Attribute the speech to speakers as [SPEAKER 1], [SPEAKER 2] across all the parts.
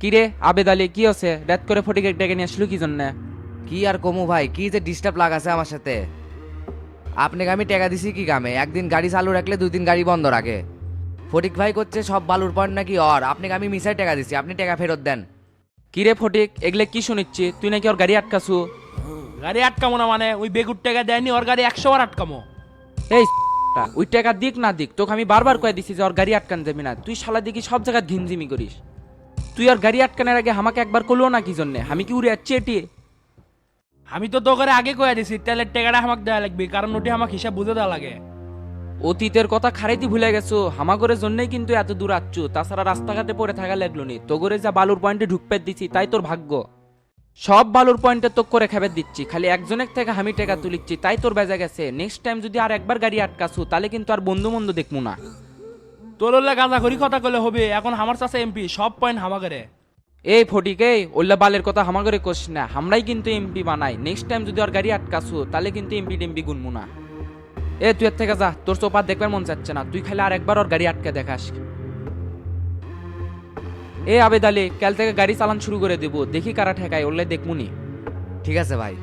[SPEAKER 1] কিরে আবেদ আলী কি আছে রাত করে ফটিকে ডেকে নিয়ে আসলো কি জন্য?
[SPEAKER 2] কি আর কমু ভাই, কি যে ডিস্টার্ব লাগাছে আমার সাথে। আপনাকে আমি টাকা দিছি কি কামে? একদিন গাড়ি চালু রাখলে 2 দিন গাড়ি বন্ধ রাখে। ফটিক ভাই করছে সব বালুর পয়েন্ট নাকি আপনাকে আমি মিসাই টাকা দিছি, আপনি টাকা ফেরত দেন।
[SPEAKER 1] কিরে ফটিক এগুলো কি শুনিচ্ছি? তুই নাকি ওর গাড়ি আটকাছু?
[SPEAKER 3] গাড়ি আটকামো না মানে ওই বেগুর টাকা দেয়নি, ওর গাড়ি 100 বার আটকামো।
[SPEAKER 1] এই ওই টাকা দিক না দিক তোকে আমি বারবার কয়ে দিছি যে ওর গাড়ি আটকান যাবি না। তুই শালা দেখি সব জায়গায় ঘিনজিমি করিস। তুই ওর গাড়ি আটকানোর আগে আমাকে একবার করলো না কি জন্য? আমি কি উড়ে যাচ্ছি এটি?
[SPEAKER 3] আমি তো তোকে আগে কয়ে দিছি তেলের টাকাটা আমাকে দেওয়া লাগবে, কারণ ওটি আমাকে হিসাব বুঝে দেওয়া লাগে।
[SPEAKER 1] অতীতের কথা খারাইতে ভুলে গেছো। হামাগরের জন্যই কিন্তু এত দূর আচ্ছু, তাছাড়া রাস্তাঘাটে পড়ে থাকা লাগলো নি। তোগরে যা বালুর পয়েন্টে ঢুকপে দিছি তাই তোর ভাগ্য। সব বালুর পয়েন্টে তো করে খেবে দিচ্ছি, খালি একজনের থেকে আমি টাকা তুলিচ্ছি তাই তোর বেজা গেছে। নেক্সট টাইম যদি আর একবার গাড়ি আটকাছু তাহলে কিন্তু আর বন্ধু বন্ধু দেখবো না।
[SPEAKER 3] তোর ওল্লা গাঁজা করি কথা কলে হবে, এখন আমার চাষে এমপি সব পয়েন্ট হামাগারে।
[SPEAKER 1] এই ফটিকে ওল্লা বালের কথা হামাগরে কোস না, আমরাই কিন্তু এমপি বানাই। নেক্সট টাইম যদি আর গাড়ি আটকাছু তাহলে কিন্তু এমপি টেমপি গুনবো না। এ তুই এর থেকে যা, তোর চোপার দেখবার মন চাচ্ছে না। তুই খালি আর একবার ওর গাড়ি আটকে দেখাস। এ আবেদ আলী কাল থেকে গাড়ি চালান শুরু করে দেবো, দেখি কারা ঠেকায় ওরলে দেখমুনি।
[SPEAKER 2] ঠিক আছে ভাই।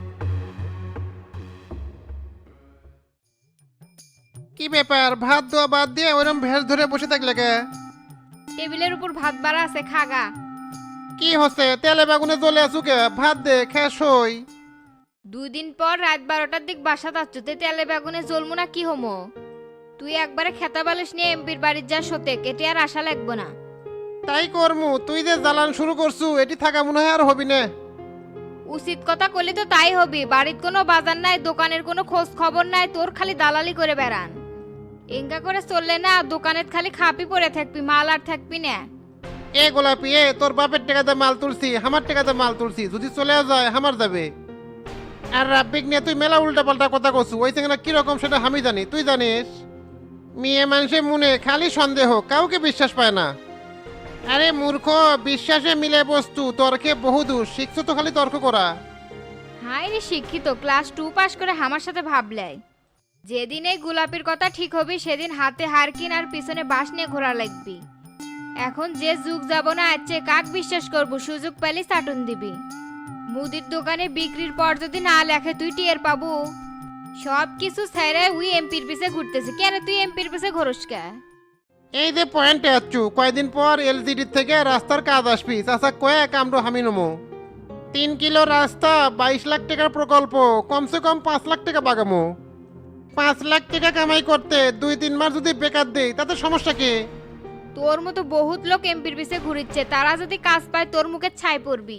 [SPEAKER 4] কি ব্যাপার, ভাত দেওয়া বাদ দিয়ে ওরম ভেস ধরে বসে থাকলে কে?
[SPEAKER 5] টেবিলের উপর ভাত বাড়া আছে, খাগা।
[SPEAKER 4] কি হচ্ছে, তেলে বেগুনে জ্বলে আছু কে? ভাত দে, খেয়ে সই।
[SPEAKER 5] 2 দিন পর রাত 12টার দিক বাসা যাচ্ছতে তেলে বেগুনে জ্বলমু না কি হমো? তুই একবারে খেতা বালিশ নিয়ে এমপির বাড়ির যা সতে কেটে আর আশা লাগবো না।
[SPEAKER 4] তাই করমু, তুই যে জ্বালান শুরু করছু এটি থাকা মনে হয় আর হবি না।
[SPEAKER 5] উচিত কথা কইলে তো তাই হবি। বাড়ির কোনো বাজার নাই, দোকানের কোনো খোঁজ খবর নাই, তোর খালি দালালি করে বেড়ান। এঙ্গা করে চললে না দোকানের খালি খাপি পড়ে থাকবি, মাল আর থাকবি না।
[SPEAKER 4] এ গোলাপি, এ তোর বাপের টাকাতে মাল তুলছি, আমার টাকাতে মাল তুলছি, যদি চলেও যায় আমার যাবে। আর রাব্বিক নিয়ে তুই মেলা উল্টা পাল্টা কথা কছু, ওই থেকে কিরকম সেটা আমি জানি, তুই জানিস? মেয়ে মানুষের মনে খালি সন্দেহ, কাউকে বিশ্বাস পায় না। আরে মূর্খ, বিশ্বাসে মিলে বস্তু, তর্কে বহুদূর, শিখছো তো খালি তর্ক করা।
[SPEAKER 5] হাই রে শিক্ষিত, ক্লাস 2 পাস করে আমার সাথে ভাবলাই যেদিন এই গোলাপির কথা ঠিক হবি সেদিন হাতে হারকিন আর পিছনে বাঁশ নিয়ে ঘোরা লাগবি। এখন যে যুগ যাব না আছে, কাক বিশ্বাস করব? সুযোগ পেলে চাটুন দিবি। মুদির দোকানে বিক্রির পর যদি না লেখে তুই টিয়ার পাবো। সব কিছু ছেড়ে উই এমপির পিছে ঘুরতেছে। কেন তুই এমপির পিছে ঘোরস কে?
[SPEAKER 4] এই যে পয়েন্টে আছু, কয়দিন পর এলজিডি থেকে রাস্তার কাজ আসবি, চাচা কয়েক আমরা হামি নমো। 3 কিলো রাস্তা, 22 লাখ টাকার প্রকল্প, কমসে কম 5 লাখ টাকা বাগামো। 5 লাখ টাকা কামাই করতে 2-3 মাস যদি বেকার দেই তাতে সমস্যা কি?
[SPEAKER 5] তোর মতো বহুত লোক এমপির পিছে ঘুরিচ্ছে, তারা যদি কাজ পায় তোর মুখে ছাই পড়বি।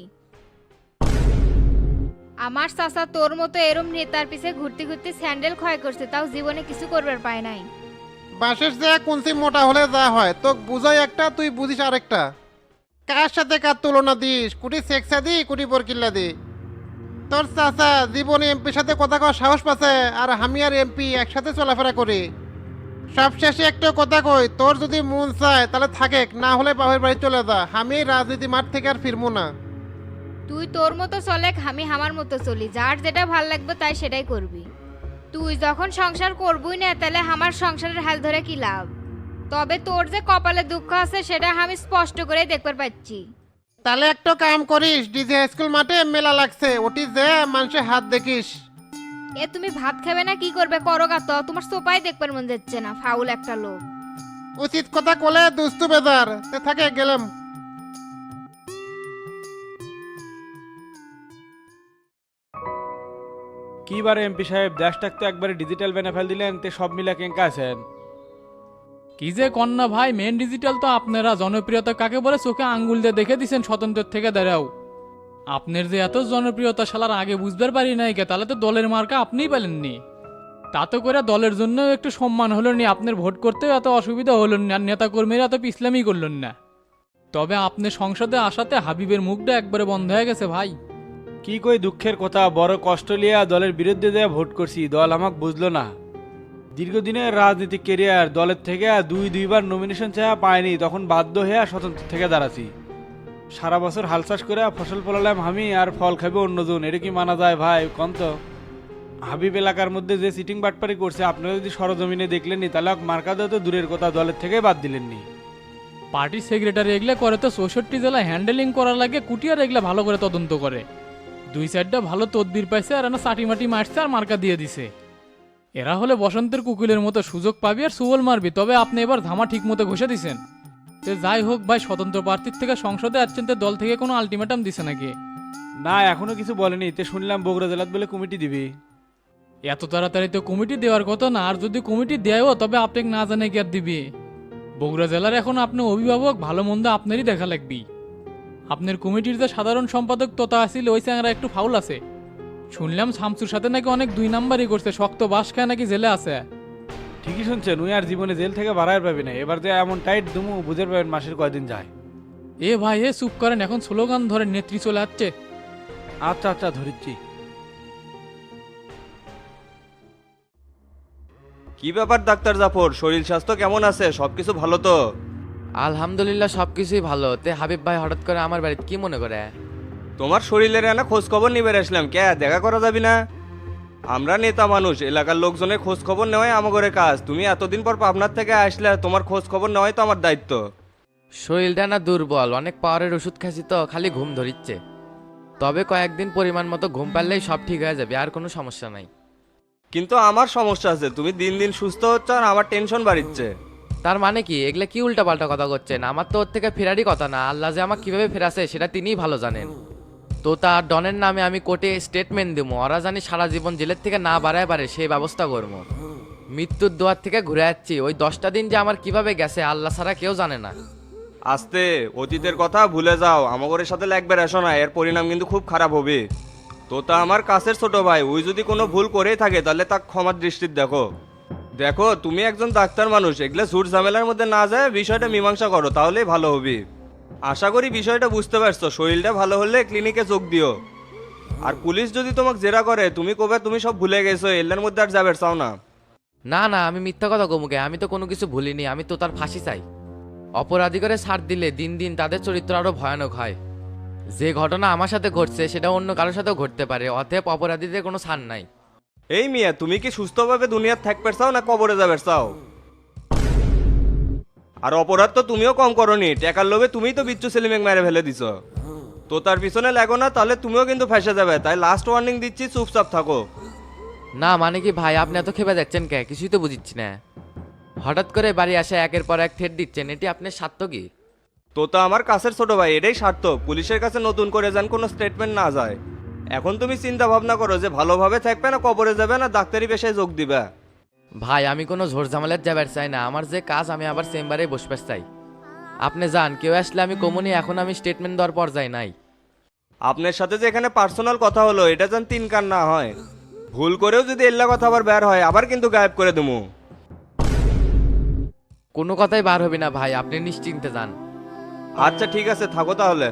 [SPEAKER 5] আমার চাচা তোর মতো এরম নেতার পিছে ঘুরতে ঘুরতে স্যান্ডেল ক্ষয় করছে, তাও জীবনে কিছু করবার পায় নাই।
[SPEAKER 4] বাসের যে কুঞ্চি মোটা হলে যা হয়, তোকে বুঝাই একটা, তুই বুঝিস আরেকটা। কার সাথে কার তুলনা দিস? কুটি সেক্সা দি, কুটি বরকিল্লা দি। তোর চাচা জীবনে এমপির সাথে কথা কওয়ার সাহস পাচ্ছে, আর আমি আর এমপি একসাথে চলাফেরা করি। সবশেষে একটা কথা কই, তোর যদি মন চায় তাহলে থাকে, না হলে বাপের বাড়ি চলে যা। আমি রাজনীতি মাঠ থেকে আর ফিরবো না।
[SPEAKER 5] তুই তোর মতো চলে, আমি আমার মতো চলি। যার যেটা ভাল লাগবে তাই সেটাই করবি। তুই যখন সংসার করবই না তাহলে আমার সংসারের হাল ধরে কি লাভ? তবে তোর যে কপালে দুঃখ আছে সেটা আমি স্পষ্ট করে দেখতে পাচ্ছি।
[SPEAKER 4] তাহলে একটা কাম করিস, ডিজে স্কুল মাঠে মেলা লাগছে, ওটি যে মানুষের হাত দেখিস।
[SPEAKER 5] এ তুমি ভাত খাবে না কি করবে করো গা, তো তোমার সোপাই দেখবার মন যাচ্ছে না, ফাউল একটা লোক।
[SPEAKER 4] উচিত কথা কলে দুস্তু বেজার, তে থাকে গেলাম।
[SPEAKER 6] কি বারে এমপি সাহেব, দেশটাক তো একবারে ডিজিটাল বেনে ফেল দিলেন, তে সব মিলা কেঙ্কা আছেন?
[SPEAKER 7] কি যে কন্যা ভাই, মেন ডিজিটাল তো আপনারা। জনপ্রিয়তা কাকে বলে চোখে আঙ্গুল দিয়ে দেখে দিছেন স্বতন্ত্র থেকে দাঁড়াও। আপনার যে এত জনপ্রিয়তা শালার আগে বুঝবার পারি নাই কে, তাহলে তো দলের মার্কা আপনিই পেলেননি। তাতে করে দলের জন্য একটু সম্মান হলো নি, আপনার ভোট করতেও এত অসুবিধা হলো না, আর নেতা কর্মীরা এত পিছলামি করলেন না। তবে আপনি সংসদে আসাতে হাবিবের মুখটা একবারে বন্ধ হয়ে গেছে ভাই।
[SPEAKER 6] কি কই দুঃখের কথা, বড় কষ্ট লিয়া দলের বিরুদ্ধে দেয়া ভোট করছি, দল আমাকে বুঝলো না। দীর্ঘদিনের রাজনীতিক কেরিয়ার, দলের থেকে দুইবার নমিনেশন চাওয়া পায়নি, তখন বাধ্য হয়ে স্বতন্ত্র থেকে দাঁড়াছি। সারা বছর হাল চাষ করে ফসল ফলালাম আমি, আর ফল খাবে অন্যজন, এটা কি মানা যায় ভাই কন্ত? হাবিব এলাকার মধ্যে যে সিটিং বাটপারি করছে আপনারা যদি সরজমিনে দেখলেননি, তাহলে মার্কা দেওয়া তো দূরের কথা, দলের থেকে বাদ দিলেননি।
[SPEAKER 7] পার্টির সেক্রেটারি এগুলো করে তো 64 জেলা হ্যান্ডেলিং করার লাগে কুটিয়ার এগুলো ভালো করে তদন্ত করে। দুই সাইডটা ভালো তদবির পাইছে আর না চাটি মাটি মারছে আর মার্কা দিয়ে দিছে। এরা হলে বসন্তের কুকিলের মতো সুযোগ পাবি আর সুবল মারবি, তবে আপনি এবার ধামা ঠিক মতো ঘষে দিছেন। তো যাই হোক ভাই, স্বতন্ত্র প্রার্থীর থেকে সংসদে আসছেন, তো দল থেকে কোনো আলটিমেটাম দিছে নাকি?
[SPEAKER 6] না এখনো কিছু বলেনি, তে শুনলাম বগুড়া জেলাত বলে কমিটি দিবি।
[SPEAKER 7] এত তাড়াতাড়ি তো কমিটি দেওয়ার কথা না, আর যদি কমিটি দেয়ও তবে আপনাকে না জানে কি আর দিবি। বগুড়া জেলার এখন আপনি অভিভাবক, ভালো মন্দ আপনারই দেখা লাগবি। আপনার কমিটির যে সাধারণ সম্পাদক তোতা আসিল ওই চ্যাংরা একটু ফাউল আছে। শুনলাম শামসুর সাথে নাকি অনেক 2 নাম্বারই করছে, শক্ত বাস খায় নাকি জেলে আছে।
[SPEAKER 6] ঠিকই শুনছেন, উই আর জীবনে জেল থেকে বাড়াই পাবি না, এবার যে এমন টাইট দুমু বুঝের পাবেন মাসের কয়দিন যায়।
[SPEAKER 7] এ ভাই এ চুপ করেন, এখন স্লোগান ধরে নেত্রী চলে যাচ্ছে।
[SPEAKER 6] আচ্ছা আচ্ছা ধরিচ্ছি।
[SPEAKER 8] কি ব্যাপার ডাক্তার জাফর, শরীর স্বাস্থ্য কেমন আছে? সবকিছু ভালো তো?
[SPEAKER 2] আলহামদুলিল্লাহ সবকিছুই ভালো। তে হাবিব ভাই হঠাৎ করে আমার বাড়িতে কি মনে করে?
[SPEAKER 8] তোমার শরীরের না খোঁজ খবর নিবে আসলাম, কে দেখা করা যাবি না? আমরা নেতা মানুষ, এলাকার লোকজনের খোঁজ খবর নেওয়াই আমাদের কাজ। তুমি এতদিন পর পাবনার থেকে আসলে, তোমার খোঁজ খবর নেওয়াই তো আমার দায়িত্ব।
[SPEAKER 2] শরীরটা না দুর্বল, অনেক পাওয়ারের ওষুধ খাচ্ছি তো খালি ঘুম ধরিচ্ছে। তবে কয়েকদিন পরিমাণ মতো ঘুম পারলেই সব ঠিক হয়ে যাবে, আর কোনো সমস্যা নাই।
[SPEAKER 8] কিন্তু আমার সমস্যা আছে, তুমি দিন দিন সুস্থ হচ্ছ আর আমার টেনশন বাড়িচ্ছে।
[SPEAKER 2] তার মানে কি? এগুলা কি উল্টাপাল্টা কথা করছেন? আমার তো ওর থেকে ফেরারই কথা না। আল্লাহ যে আমাকে কিভাবে ফেরাছে সেটা তিনিই ভালো জানেন। তো তার ডনের নামে আমি কোর্টে স্টেটমেন্ট দেবো, ওরা জানি সারা জীবন জেলের থেকে না বাড়ায় পারে সেই ব্যবস্থা করবো। মৃত্যুর দোয়ার থেকে ঘুরে যাচ্ছি, ওই 10টা দিন যে আমার কিভাবে গেছে আল্লাহ ছাড়া কেউ জানে না।
[SPEAKER 8] আস্তে, অতীতের কথা ভুলে যাও, আমাদের সাথে লাগবে রেশো না, এর পরিণাম কিন্তু খুব খারাপ হবে। তো তা আমার কাছের ছোট ভাই, ওই যদি কোনো ভুল করেই থাকে তাহলে তা ক্ষমার দৃষ্টির দেখো। দেখো তুমি একজন ডাক্তার মানুষ, এগুলো ঝুট ঝামেলার মধ্যে না যায় বিষয়টা মীমাংসা করো, তাহলেই ভালো হবে। আশা করি বিষয়টা বুঝতে পারছো। শরীরটা ভালো হলে ক্লিনিকে যোগ দিও। আর পুলিশ যদি তোমাকে জেরা করে তুমি কবে তুমি সব ভুলে গেছো, এল্লার মধ্যে আর যাবে চাও না।
[SPEAKER 2] না না, আমি মিথ্যা কথা কমুকে, আমি তো কোনো কিছু ভুলিনি। আমি তো তার ফাঁসি চাই। অপরাধী করে ছাড় দিলে দিন দিন তাদের চরিত্র আরো ভয়ানক হয়। যে ঘটনা আমার সাথে ঘটছে সেটা অন্য কারোর সাথেও ঘটতে পারে, অতএব অপরাধীদের কোনো ছাড় নাই।
[SPEAKER 8] এই মিয়া, তুমি কি সুস্থভাবে দুনিয়ার থাকতে চাও না কবরে যাবে চাও? আর অপরাধ তো তুমিও কম করনি, টাকার লোভে তুমিই তো বিচ্ছু সেলিমেক মেরে ফেলে দিছ। তো তার পিছনে লাগো না, তাহলে তুমিও কিন্তু ফেসে যাবে। তাই লাস্ট ওয়ার্নিং দিচ্ছি, চুপচাপ থাকো।
[SPEAKER 2] না মানে কি ভাই, আপনি এত খেপে যাচ্ছেন কে? কিছুই তো বুঝিচ্ছি না। হঠাৎ করে বাড়ি আসে একের পর এক থ্রেট দিচ্ছেন, এটি আপনার স্বার্থ কি?
[SPEAKER 8] তো তা আমার কাছের ছোট ভাই, এটাই স্বার্থ। পুলিশের কাছে নতুন করে যান কোনো স্টেটমেন্ট না যায়। এখন তুমি চিন্তা ভাবনা করো যে ভালোভাবে থাকবে না কবরে যাবে না ডাক্তারি পেশায় যোগ দিবে।
[SPEAKER 2] ভাই আমি কোনো ঝোর ঝামেলার যাবার চাই না, আমার যে কাজ আমি আবার চেম্বারে বসবে চাই। আপনি যান, কেউ আসলে আমি কমুনি, এখন আমি স্টেটমেন্ট দেওয়ার পর যাই নাই।
[SPEAKER 8] আপনার সাথে যে এখানে পার্সোনাল কথা হলো এটা যেন 3 কান না হয়। ভুল করেও যদি এল্লা কথা আবার বের হয় আবার কিন্তু গায়েব করে দেবো।
[SPEAKER 2] কোনো কথাই বার হবে না ভাই, আপনি নিশ্চিন্তে যান।
[SPEAKER 8] আচ্ছা ঠিক আছে, থাকো তাহলে।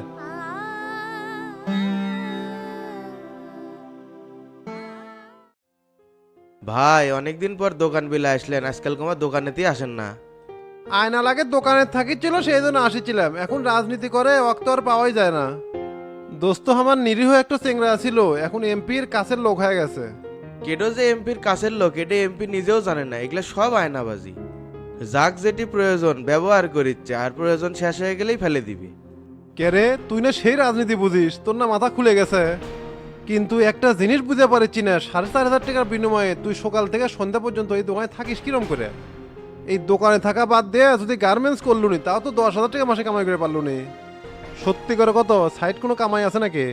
[SPEAKER 9] ভাই অনেকদিন পর দোকান বিলে আসলেন, আজকাল তোমার দোকানেতেই আসেন না।
[SPEAKER 4] আয়না লাগে দোকানে থাকিছিল, সেই জন্য আসিছিলাম। এখন রাজনীতি করে অক্ত আর পাওয়াই যায় না। দোস্ত আমার নিরীহ একটা চেংরা ছিল, এখন এমপির কাছের লোক হয়ে গেছে।
[SPEAKER 9] কেডো যে এমপির কাছের লোক এটা এমপি নিজেও জানে না, এগুলো সব আয়নাবাজি। যাক যেটি প্রয়োজন ব্যবহার করিচ্ছে, আর প্রয়োজন শেষ হয়ে গেলেই ফেলে দিবি।
[SPEAKER 4] কে রে, তুই না সেই রাজনীতি বুঝিস? তোর না মাথা খুলে গেছে। কিন্তু একটা জিনিস বুঝতে পারছি না, 4,500 টাকার বিনিময়ে তুই সকাল থেকে সন্ধ্যা পর্যন্ত এই দোকানে থাকিস কিরম করে? এই দোকানে থাকা বাদ দিয়ে যদি গার্মেন্টস করলুনি তাও তো 10,000 টাকা মাসে কামাই করে পারলুনি। সত্যি করে কত সাইড কোনো কামাই আছে নাকি?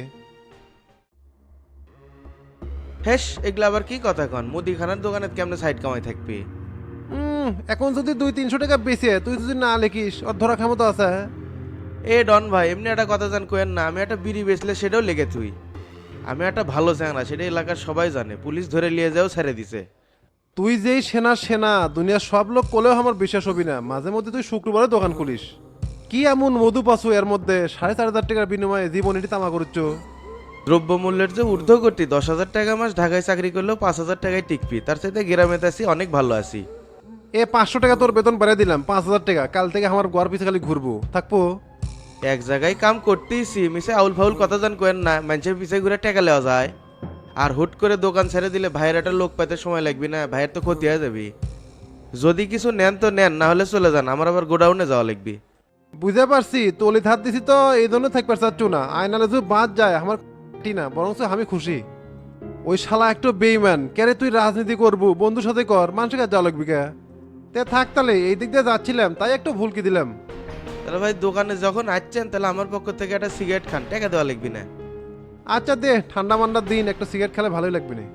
[SPEAKER 9] হেস, এগুলো আবার কি কথা কন? মুদিখানার দোকানে কেমনে সাইড কামাই থাকবি?
[SPEAKER 4] এখন যদি 200-300 টাকা বেশি তুই যদি না লিখিস ওর ধরা ক্ষমতা আছে?
[SPEAKER 9] এ ডন ভাই, এমনি একটা কথা জান কোয়েন না, আমি একটা বিড়ি বেচলে সেটাও লেগে তুই। আমি একটা ভালো চ্যাংরা, সেটা এলাকার সবাই জানে, পুলিশ ধরে নিয়ে যাও ছেড়ে দিছে।
[SPEAKER 4] তুই যেই সেনা দুনিয়ার সব লোক কোলেও আমার বিশ্বাস হবি না। মাঝে মধ্যে তুই শুক্রবারে দোকান খুলিস, কি এমন মধু পাছু এর মধ্যে 4,500 টাকার বিনিময়ে জীবন এটি তামা করছ?
[SPEAKER 9] দ্রব্যমূল্যের যে ঊর্ধ্বগতি, 10,000 টাকা মাস ঢাকায় চাকরি করলেও 5,000 টাকায় টিকবি, তার সাথে গ্রামেতে আছি অনেক ভালো আছি।
[SPEAKER 4] 500 টাকা তোর বেতন বাড়িয়ে দিলাম, 5,000 টাকা। কাল থেকে আমার গোয়ার পিছে খালি ঘুরবো থাকবো।
[SPEAKER 9] এক জায়গায় কাম করতেইছি, মিশে আউল ফাউল কথা জান কোয়েন না, মানুষের পিছে ঘুরে টাকা নেওয়া যায়। আর হুট করে দোকান ছেড়ে দিলে ভাইয়ের একটা লোক পাইতে সময় লাগবে না? ভাইয়ের তো ক্ষতি হয়ে যাবে। যদি কিছু নেন তো নেন, না হলে চলে যান, আমার আবার গোডাউনে যাওয়া লাগবে।
[SPEAKER 4] বুঝতে পারছি তলিত হাত দিছি তো এই জন্য থাকতে চাচ্ছু না আয়নালে যদি বাদ যায় আমার না বরং আমি খুশি। ওই শালা একটু বেইমান কেরে তুই রাজনীতি করবু বন্ধুর সাথে কর মানুষের কাছে যাওয়া লাগবি কে তে থাক তাহলে এই দিক দিয়ে যাচ্ছিলাম তাই একটু ভুলকি দিলাম।
[SPEAKER 9] তাহলে ভাই দোকানে যখন আসছেন তাহলে আমার পক্ষ থেকে একটা সিগারেট খান, টাকা দেওয়া লাগবে না।
[SPEAKER 4] আচ্ছা দে ঠান্ডা মান্ডার দিন একটা সিগারেট খেলে ভালোই লাগবে না।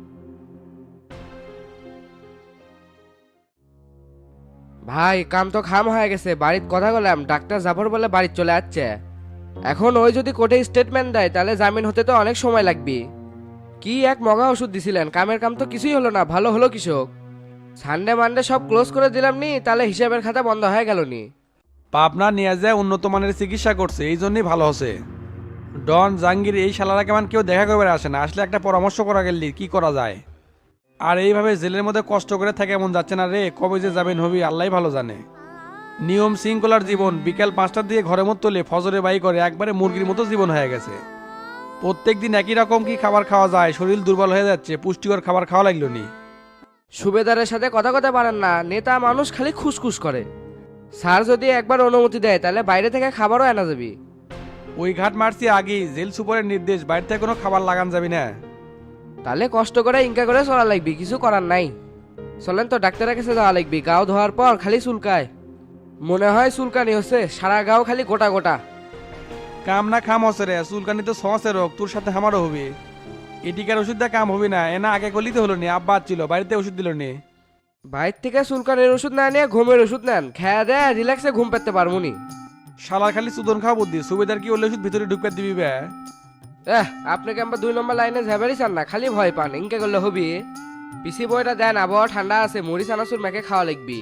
[SPEAKER 2] ভাই কাম তো খাম হয়ে গেছে, বাড়ির কথা বললাম ডাক্তার জাফর বলে বাড়ি চলে যাচ্ছে। এখন ওই যদি কোর্টে স্টেটমেন্ট দেয় তাহলে জামিন হতে তো অনেক সময় লাগবে। কি এক মগা ওষুধ দিছিলেন, কামের কাম তো কিছুই হলো না, ভালো হলো কৃষক। সানডে মানডে সব ক্লোজ করে দিলাম নি, তাহলে হিসাবের খাতা বন্ধ হয়ে গেল নি।
[SPEAKER 6] পাবনা নিয়ে যায় উন্নত মানের চিকিৎসা করছে, এই জন্যই ভালো হচ্ছে। ডন জাহাঙ্গীর এই শালারা কেমন কেউ দেখা করবে আসে না, আসলে একটা পরামর্শ করা গেলি কি করা যায়। আর এইভাবে জেলের মধ্যে কষ্ট করে থাকে এমন যাচ্ছে না রে, কবে যে যাবেন হবি আল্লাহ ভালো জানে। নিয়ম শৃঙ্খলার জীবন, বিকাল 5টার দিকে ঘরের মতো তোলে, ফজরে বাই করে, একবারে মুরগির মতো জীবন হয়ে গেছে। প্রত্যেক দিন একই রকম কি খাবার খাওয়া যায়, শরীর দুর্বল হয়ে যাচ্ছে, পুষ্টিকর খাবার খাওয়া লাগলো নি।
[SPEAKER 2] সুবেদারের সাথে কথা কথা পারেন না, নেতা মানুষ খালি খুসখুস করে। স্যার যদি একবার অনুমতি দেয় তাহলে বাইরে থেকে খাবারও আনা যাবে।
[SPEAKER 6] ওই ঘাট মারছি আগেই, জেল সুপারের নির্দেশ, বাইরে থেকে কোনো খাবার লাগান যাবি না।
[SPEAKER 2] তাহলে কষ্ট করে ইনকা করে চলা লাগবে, কিছু করার নাই। চলেন তো ডাক্তারের কাছে যাওয়া লাগবে, গাও ধোয়ার পর খালি চুলকায়, মনে হয় চুলকানি হচ্ছে, সারা গাও খালি গোটা গোটা।
[SPEAKER 6] কাম না খাম হচ্ছে রে, চুলকানি তো সহসে রোগ, তোর সাথে আমারও হবে। এটিকার ওষুধ দিয়ে কাম হবে না, এনা আগে গলিতে হলো নি, আব্বা ছিল বাড়িতে ওষুধ দিল নি।
[SPEAKER 2] বাইরে থেকে চুলকানির ওষুধ না নিয়ে ঘুমের ওষুধ নেন, খেয়া দেয় রিল্যাক্সে ঘুম পেতে পারবো নি।
[SPEAKER 6] শালার খালি সুদন খাওয়া বুদ্ধি, সুবিধার কি ওলে ওষুধ ভিতরে ঢুকে দিবি বে।
[SPEAKER 2] আপনাকে আমরা 2 নম্বর লাইনে ঝাবেরই চান না, খালি ভয় পান, ইনকা করলে হবি। পিসি বইটা দেন, আবহাওয়া ঠান্ডা আছে, মুড়ি চানাচুর মেখে খাওয়া লাগবি।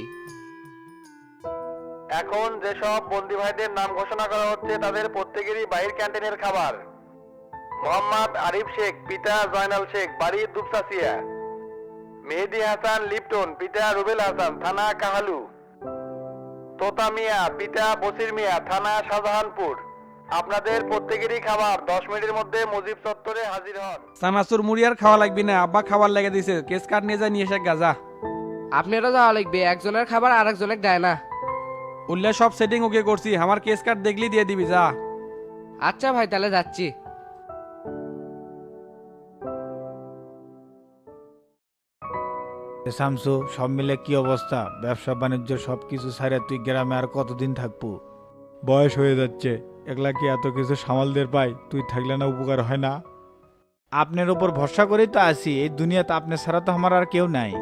[SPEAKER 8] এখন যেসব বন্দি ভাইদের নাম ঘোষণা করা হচ্ছে তাদের প্রত্যেকেরই বাহির ক্যান্টিনের খাবার। মোহাম্মদ আরিফ শেখ, পিতা জয়নাল শেখ, বাড়ি দুপসাসিয়া। মেহেদি হাসান লিপটন, পিতা রুবেল হাসান, থানা কাহালু। তোতা মিয়া, পিতা বসির মিয়া, থানা শাহজাহানপুর। আপনাদের প্রত্যেকেরই খাবার 10 মিনিটের মধ্যে মুজিব চত্বরে হাজির হন।
[SPEAKER 6] চানাচুর মুড়ি আর খাওয়া লাগবি না, আব্বা খাবার লেগে দিছে, কেস কার্ড নিয়ে যায় নিয়ে এসে গাজা।
[SPEAKER 2] আপনারও যাওয়া লাগবে, একজনের খাবার আর একজনের দেয় না।
[SPEAKER 6] উল্লে সব সেটিং ওকে করছি, আমার কেস কার্ড দেখলি দিয়ে দিবি যা।
[SPEAKER 2] আচ্ছা ভাই তাহলে যাচ্ছি।
[SPEAKER 10] শামসু, সব মিলে কি অবস্থা? ব্যবসা বাণিজ্য সব কিছু ছাড়ে তুই গ্রামে আর কতদিন থাকবো? বয়স হয়ে যাচ্ছে, একলা কি এত কিছু সামালদের পাই? তুই থাকলে না উপকার হয় না? আপনার উপর ভরসা করেই তো আছি, এই দুনিয়াতে আপনি ছাড়া তো আমার আর কেউ নাই।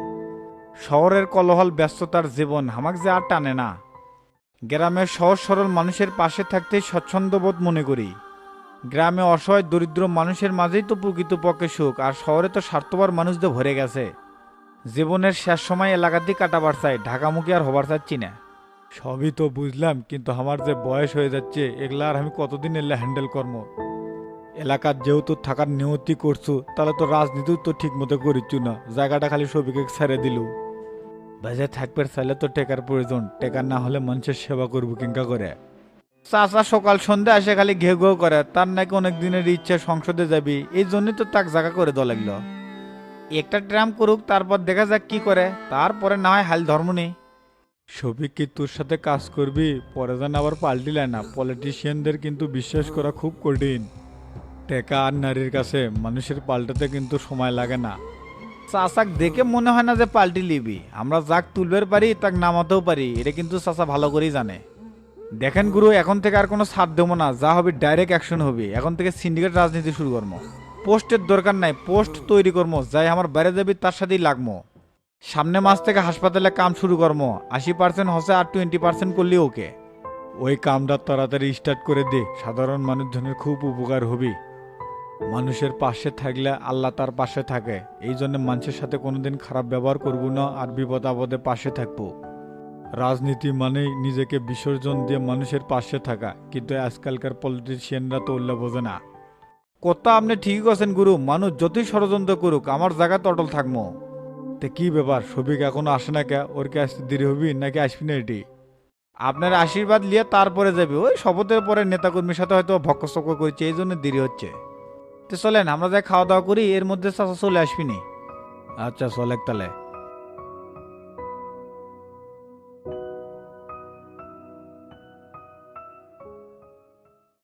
[SPEAKER 10] শহরের কলহল ব্যস্ততার জীবন আমাকে যে আর টানে না। গ্রামের সহজ সরল মানুষের পাশে থাকতেই স্বচ্ছন্দবোধ মনে করি। গ্রামে অসহায় দরিদ্র মানুষের মাঝেই তো প্রকৃতপক্ষে সুখ, আর শহরে তো স্বার্থপর মানুষদের ভরে গেছে। জীবনের শেষ সময় এলাকাতেই কাটাবার চাই, ঢাকামুখী আর হবার চাচ্ছি না। সবই তো বুঝলাম, কিন্তু আমার যে বয়স হয়ে যাচ্ছে, এগুলা আর আমি কতদিন এলে হ্যান্ডেল করবো? এলাকার যেহেতু থাকার নিয়তি করছু, তাহলে তো রাজনীতিও তো ঠিক মতো করিচ্ছু না, জায়গাটা খালি সবিকে ছেড়ে দিল। বাজে থাকবে চাইলে তো টেকার প্রয়োজন, টেকার না হলে মানুষের সেবা করবো কিংকা করে। চাচা সকাল সন্ধ্যা আসে খালি ঘে ঘেউ করে, তার নাকি অনেক দিনের ইচ্ছা সংসদে যাবি, এই জন্যই তো তাক জায়গা করে দেওয়া লাগলো। একটা ট্রাম করুক, তারপর দেখা যাক কি করে, তারপরে না হয় হাল ধর্ম নেই। সবিক কি তোর সাথে কাজ করবি? পরে যেন আবার পাল্টিলে না। পলিটিশিয়ানদের কিন্তু বিশ্বাস করা খুব কঠিন। টেকা আর নারীর কাছে মানুষের পাল্টাতে কিন্তু সময় লাগে না। চাচাক দেখে মনে হয় না যে পাল্টি লিবি, আমরা যাক তুলবের পারি তাক নামাতেও পারি, এটা কিন্তু চাচা ভালো করেই জানে। দেখেন গুরু, এখন থেকে আর কোনো ছাড় দেবো না, যা হবে ডাইরেক্ট অ্যাকশন হবে। এখন থেকে সিন্ডিকেট রাজনীতি শুরু করবো, পোস্টের দরকার নাই, পোস্ট তৈরি করবো, যাই আমার বাইরে যাবি তার সাথেই লাগবো। সামনে মাস থেকে হাসপাতালে কাম শুরু করবো, 80% হসে আর 20% করলি ওকে। ওই কামটা তাড়াতাড়ি স্টার্ট করে দে, সাধারণ মানুষজনের খুব উপকার হবে। মানুষের পাশে থাকলে আল্লাহ তার পাশে থাকে, এই জন্য মানুষের সাথে কোনোদিন খারাপ ব্যবহার করবো না, আর বিপদ আপদে পাশে থাকবো। রাজনীতি মানেই নিজেকে বিসর্জন দিয়ে মানুষের পাশে থাকা, কিন্তু আজকালকার পলিটিশিয়ানরা তো উল্লা বোঝে না। কথা আপনি ঠিকই আছেন গুরু, মানুষ যতই ষড়যন্ত্র করুক আমার জায়গাতে অটল থাকবো। তে কি ব্যাপার, সবিক এখনো আসে না কে? ওর কি আসতে দেরি হবি নাকি আসবি না? এটি আপনার আশীর্বাদ নিয়ে তারপরে যাবে, ওই শপথের পরে নেতাকর্মীর সাথে হয়তো ভক্কচক্ক করছে, এই জন্য দেরি হচ্ছে। তো চলেন আমরা যাই খাওয়া দাওয়া করি, এর মধ্যে চাচা চলে আসবি নি। আচ্ছা চলেক তাহলে।